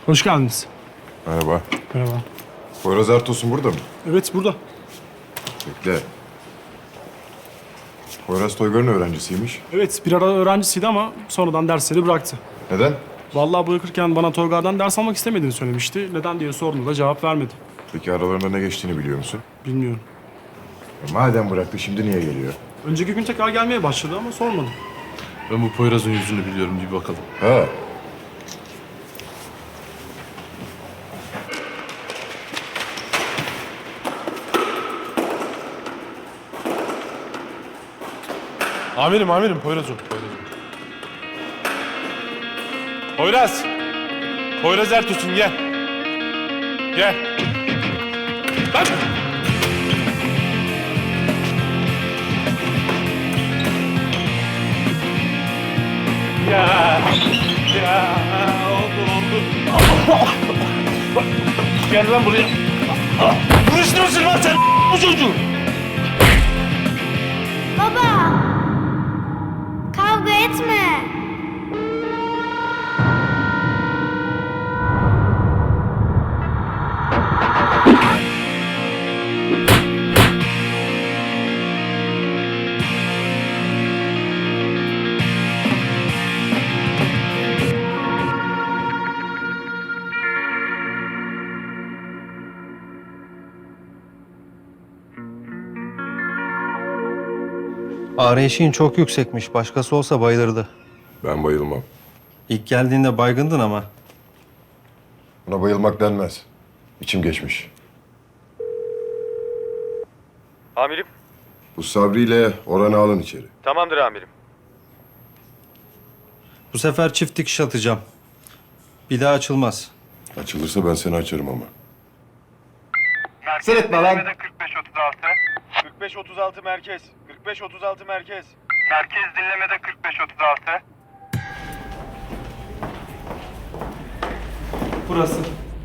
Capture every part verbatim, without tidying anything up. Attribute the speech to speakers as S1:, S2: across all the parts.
S1: Hoş geldiniz.
S2: Merhaba.
S1: Merhaba.
S2: Poyraz Ertos'un burada mı?
S1: Evet, burada.
S2: Bekle. Poyraz Toygar'ın öğrencisiymiş.
S1: Evet, bir ara öğrencisiydi ama sonradan dersleri bıraktı.
S2: Neden?
S1: Vallahi bırakırken bana Toygar'dan ders almak istemediğini söylemişti. Neden diye sorduğumda cevap vermedi.
S2: Peki aralarında ne geçtiğini biliyor musun?
S1: Bilmiyorum.
S2: E, madem bıraktı şimdi niye geliyor?
S1: Önceki gün tekrar gelmeye başladı ama sormadım.
S3: Ben bu Poyraz'ın yüzünü biliyorum, bir bakalım.
S2: Ha.
S3: Amirim, amirim, Poyraz o. Poyraz o. Poyraz! Poyraz Ertuğrul, gel. Gel. Lan! Ya! Ya! Oldu, oldu. Gel lan buraya. Vuruşturursun lan sen bu çocuğu.
S4: Baba! Kavga etme!
S5: Ağrı eşiğin çok yüksekmiş. Başkası olsa bayılırdı.
S2: Ben bayılmam.
S5: İlk geldiğinde baygındın ama.
S2: Buna bayılmak denmez. İçim geçmiş.
S6: Amirim.
S2: Bu Sabri ile Orhan'ı alın içeri.
S6: Tamamdır amirim.
S5: Bu sefer çift dikiş atacağım. Bir daha açılmaz.
S2: Açılırsa ben seni açarım ama.
S6: Seyretme lan. kırk beş otuz altı. kırk beş otuz altı merkez. kırk beş otuz altı merkez. Merkez dinlemede kırk beş otuz altı.
S5: Burası.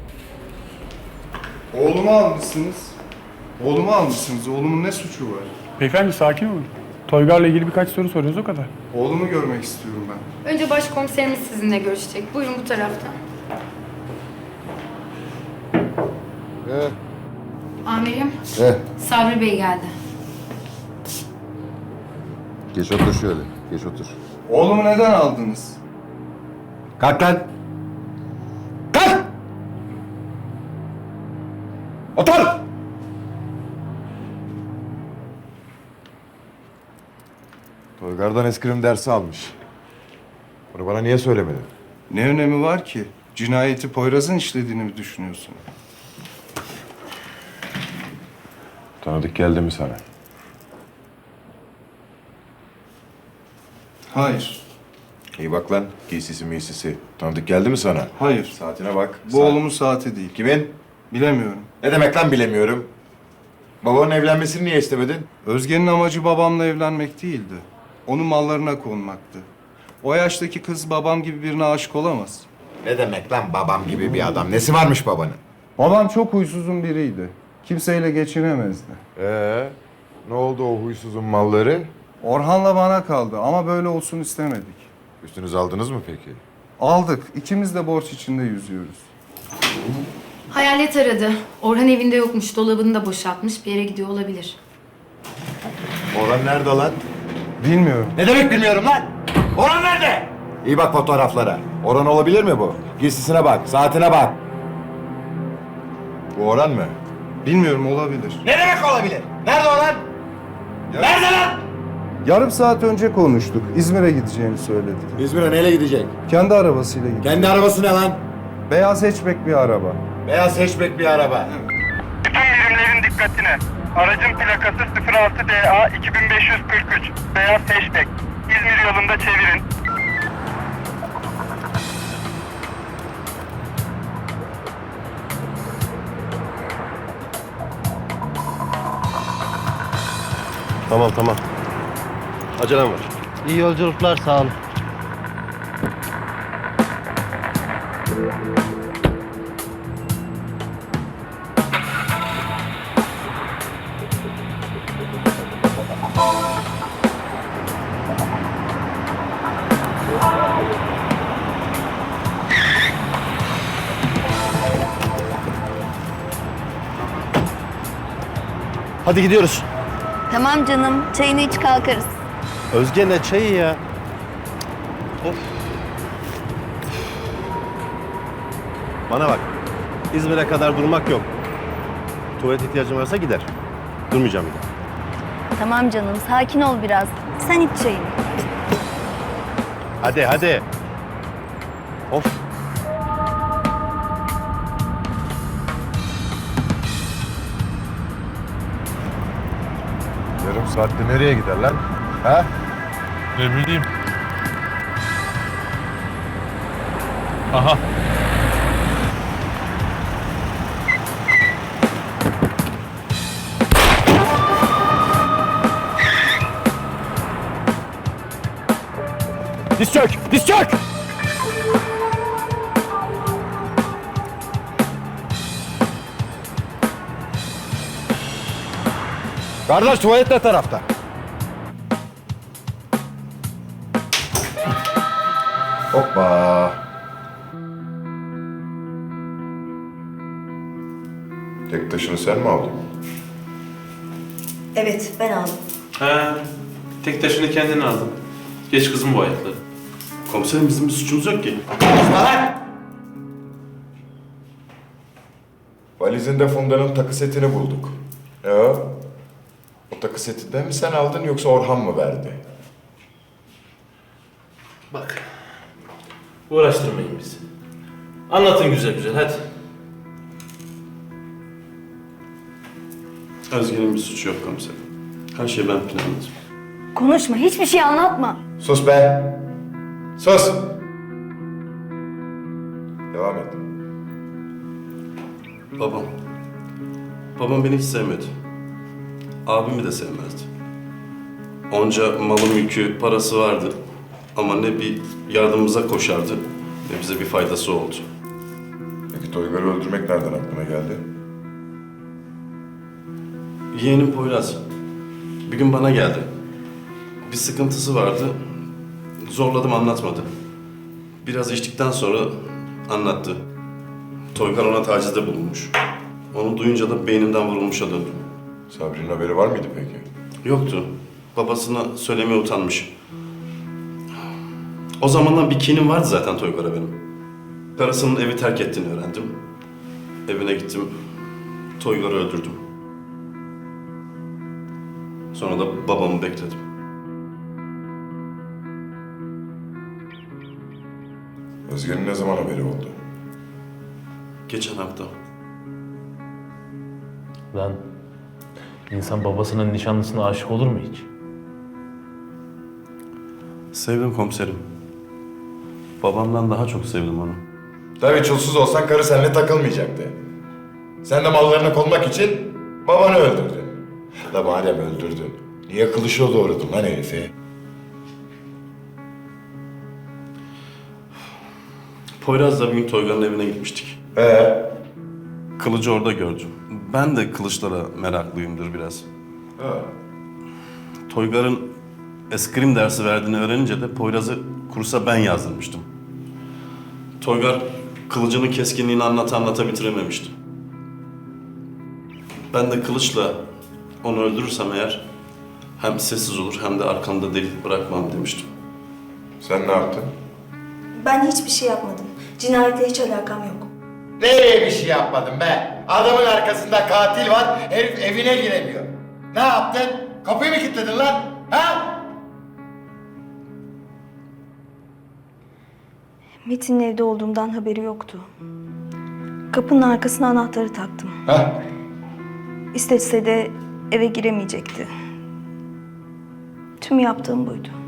S7: Oğlumu almışsınız. Oğlumu almışsınız. Oğlumun ne suçu var?
S1: Beyefendi sakin olun. Toygar'la ilgili birkaç soru soruyoruz o kadar.
S7: Oğlumu görmek istiyorum ben.
S8: Önce başkomiserimiz sizinle görüşecek. Buyurun bu taraftan.
S2: He.
S8: Amirim,
S2: He.
S8: Sabri Bey geldi.
S2: Geç otur şöyle. Geç otur.
S7: Oğlumu neden aldınız?
S2: Kalk lan. Kalk! Otur! Toygar'dan eskrim dersi almış. Bunu bana niye söylemedin?
S7: Ne önemi var ki? Cinayeti Poyraz'ın işlediğini mi düşünüyorsun?
S2: Tanıdık geldi mi sana?
S7: Hayır.
S2: İyi bak lan. Giysisi miysisi. Tanıdık geldi mi sana?
S7: Hayır.
S2: Saatine bak.
S7: Bu
S2: Saat-
S7: oğlumun saati değil.
S2: Kimin?
S7: Bilemiyorum.
S2: Ne demek lan bilemiyorum. Babanın evlenmesini niye istemedin?
S7: Özge'nin amacı babamla evlenmek değildi. Onun mallarına konmaktı. O yaştaki kız babam gibi birine aşık olamaz.
S2: Ne demek lan babam gibi bir adam? Nesi varmış babanın?
S7: Babam çok huysuzun biriydi. Kimseyle geçinemezdi.
S2: Ee, ne oldu o huysuzun malları?
S7: Orhan'la bana kaldı ama böyle olsun istemedik.
S2: Üstünüz aldınız mı peki?
S7: Aldık. İkimiz de borç içinde yüzüyoruz.
S8: Hayalet aradı. Orhan evinde yokmuş. Dolabını da boşaltmış. Bir yere gidiyor olabilir.
S2: Orhan nerede lan?
S7: Bilmiyorum.
S2: Ne demek bilmiyorum lan? Orhan nerede? İyi bak fotoğraflara. Orhan olabilir mi bu? Giysisine bak, saatine bak. Bu Orhan mı?
S7: Bilmiyorum, olabilir.
S2: Ne demek olabilir? Nerede Orhan? Nerede lan?
S7: Yarım saat önce konuştuk. İzmir'e gideceğini söyledi.
S2: İzmir'e neyle gidecek?
S7: Kendi arabasıyla gitti.
S2: Kendi arabası ne lan?
S7: Beyaz hatchback bir araba.
S2: Beyaz hatchback bir araba.
S6: Bütün birimlerin dikkatine. Aracın plakası sıfır altı D A iki bin beş yüz kırk üç. Beyaz hatchback. İzmir yolunda çevirin.
S3: Tamam, tamam. Acelem var.
S5: İyi yolculuklar, sağ olun.
S9: Hadi gidiyoruz.
S10: Tamam canım, çayını iç kalkarız.
S9: Özge ne çayı ya? Of. Bana bak. İzmir'e kadar durmak yok. Tuvalet ihtiyacım varsa gider. Durmayacağım bir daha.
S10: Tamam canım, sakin ol biraz. Sen iç çayını.
S9: Hadi hadi. Of.
S2: Yarım saatte nereye gider lan? Ha?
S3: Ne bileyim. Aha.
S9: Diz çök! Diz çök!
S2: Kardeş tuvalet ne tarafta? Hoppa. Tek taşını sen mi aldın?
S10: Evet, ben aldım.
S11: He, tek taşını kendin aldın. Geç kızım bu ayakları. Komiserim bizim bir suçumuz yok ki.
S2: Valizinde Funda'nın takı setini bulduk. Ne o? O takı setinden mi sen aldın yoksa Orhan mı verdi?
S11: Bak, uğraştırmayın bizi. Anlatın güzel güzel, hadi. Özge'nin bir suçu yok komiserim. Her şeyi ben planladım.
S10: Konuşma, hiçbir şey anlatma.
S2: Sus be! Sus! Devam et.
S11: Babam. Babam beni hiç sevmedi. Abimi de sevmezdi. Onca malı mülkü, parası vardı. Ama ne bir yardımımıza koşardı, ne bize bir faydası oldu.
S2: Peki Toygar'ı öldürmek nereden aklına geldi?
S11: Yeğenim Poyraz. Bir gün bana geldi. Bir sıkıntısı vardı. Zorladım, anlatmadı. Biraz içtikten sonra anlattı. Toygar ona tacizde bulunmuş. Onu duyunca da beynimden vurulmuşa döndüm.
S2: Sabri'nin haberi var mıydı peki?
S11: Yoktu. Babasına söylemeye utanmış. O zamandan bir kinim vardı zaten Toygar'a benim. Karısının evi terk ettiğini öğrendim. Evine gittim. Toygar'ı öldürdüm. Sonra da babamı bekledim.
S2: Özge'nin ne zaman haberi oldu?
S11: Geçen hafta.
S3: Lan insan babasının nişanlısına aşık olur mu hiç?
S11: Sevdim komiserim. Babamdan daha çok sevdim onu.
S2: Tabii çulsuz olsan karı seninle takılmayacaktı. Sen de mallarına konmak için babanı öldürdün. La madem öldürdün, niye kılıçla doğradın lan herifi?
S11: Poyraz'la bir gün Toygar'ın evine gitmiştik.
S2: Ee?
S11: Kılıcı orada gördüm. Ben de kılıçlara meraklıyımdır biraz.
S2: Ha.
S11: Toygar'ın eskrim dersi verdiğini öğrenince de Poyraz'ı kursa ben yazdırmıştım. Toygar kılıcının keskinliğini anlata anlata bitirememişti. Ben de kılıçla onu öldürürsem eğer hem sessiz olur hem de arkamda delik bırakmam demiştim.
S2: Sen ne yaptın?
S10: Ben hiçbir şey yapmadım. Cinayetle hiç alakam yok.
S2: Nereye bir şey yapmadın be? Adamın arkasında katil var, herif evine giremiyor. Ne yaptın? Kapıyı mı kilitledin lan? Ha?
S10: Metin'in evde olduğumdan haberi yoktu. Kapının arkasına anahtarı taktım.
S2: Ha?
S10: İstese de eve giremeyecekti. Tüm yaptığım buydu.